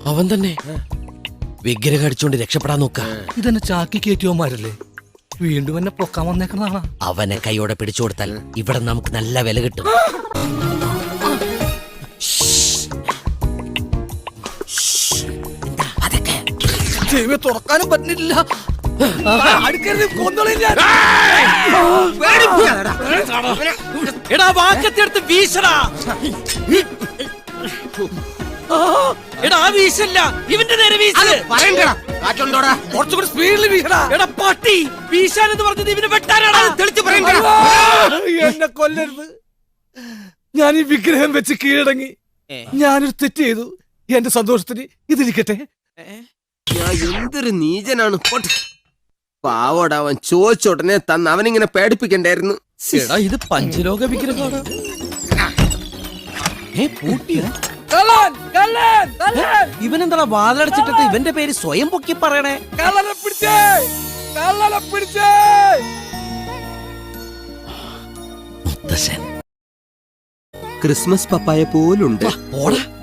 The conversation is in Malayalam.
അവൻ തന്നെ വിഗ്രഹം അടിച്ചോണ്ട് രക്ഷപ്പെടാൻ നോക്ക. ഇതെന്നെ ചാക്കി കയറ്റിയോമാരല്ലേ? വീണ്ടും എന്നെ പൊക്കാൻ വന്നേക്കുന്നതാണോ? അവനെ കൈയോടെ പിടിച്ചു കൊടുത്താൽ ഇവിടെ നമുക്ക് നല്ല വില കിട്ടും. തുറക്കാനും പറ്റുന്നില്ല. എടാ വാക്കത്തെടുത്ത് വീശടാ. എടാ വീശല്ല, ഇവന്റെ നേരെ വീശ്. കുറച്ചുകൂടി സ്പീഡിൽ വീശടാ. എടാ പട്ടി, വീശാനെന്ന് പറഞ്ഞത് ഇവന് വെട്ടാനാടാ. എന്നെ കൊല്ലരുത്. ഞാൻ ഈ വിഗ്രഹം വെച്ച് കീഴടങ്ങി. ഞാനൊരു തെറ്റ് ചെയ്തു. എന്റെ സന്തോഷത്തിന് ഇതിരിക്കട്ടെ. ഞാൻ എന്തൊരു നീചനാണ്. പാവോട് അവൻ ചോദിച്ചോടനെ തന്ന് അവനിങ്ങനെ പേടിപ്പിക്കണ്ടായിരുന്നു. എടാ ഇത് പഞ്ചലോക വിഗ്രഹമാണ്. ഇവനെന്താ വാതിലടച്ചിട്ടിട്ട് ഇവന്റെ പേര് സ്വയം പൊക്കി പറയണേ? ക്രിസ്മസ് പപ്പായ പോലുണ്ട്. പോടാ.